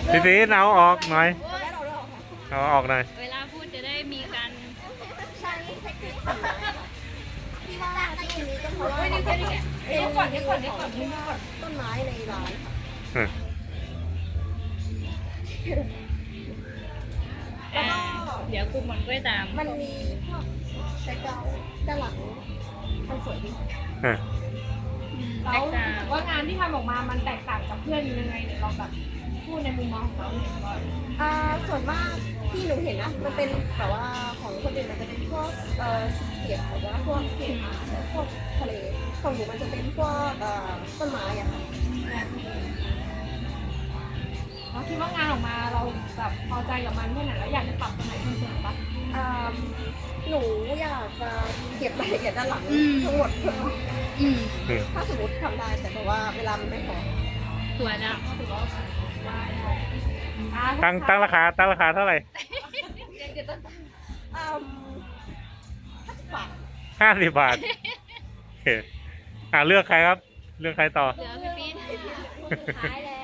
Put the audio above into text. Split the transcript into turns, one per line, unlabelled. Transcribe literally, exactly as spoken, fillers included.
พี่ซีนเอาออกหน่อย
ได้เราเราค่ะ
เอาออกหน่อย
เวลาพูดจะได้มีการ
ใช้เทคนิคสีที่ว่าที่นี้ก็เพราะว่า
เฮ้ยนี่แค่นี้แหละเดี๋ยวก่อนเดี๋ยวก่อนเดี๋ยวก่อนเดี๋ยวก่อน
ต้นไม้ในร้าน
อืม
อ่าเดี๋ยวกลุ่มมันด้วยตาม
มันมีพวกแต่เกาด้านหลังมันสวยดี
อืม
เราว่างานที่ทำออกมามันแตกต่างกับเพื่อนยังไงเดี๋ยวลองแบบพูดในมุมมองของเราหน่อยก่อน
อ่าส่วนมากที่หนูเห็นนะมันเป็นแบบว่าของคนอื่นมันจะเป็นพวกเอ่อสีเขียวหรือว่าพวกเขียวพวกทะเลของหนูมันจะเป็นพวกเอ่อต้นไม้อะค่ะ
เราคิดว่างานออกมาเราแบบพอใจกับมันแค่ไหนแล้วอยากจะปรับตรงไหนเพิ่มเติมปะ
อ่าหนูอยากจะเก็บรายละเอียดด้านหลังทั้งหมดเพิ่ม
อืม
อืม
ถ้าสมมติทำได้แต่แบบว่าเวลามันไม่พอ
ตัวจะ
ถือว่าได้ได้อ่า
ตั้งตั้งราคาตั้งราคาเท่าไหร่
อืมห้าสิบบาท
ห้าสิบบาทโอเคอ่าเลือกใครครับ เลือกใครต่อ
เหลือพี่ปี๊ด
สุดท้ายแล้ว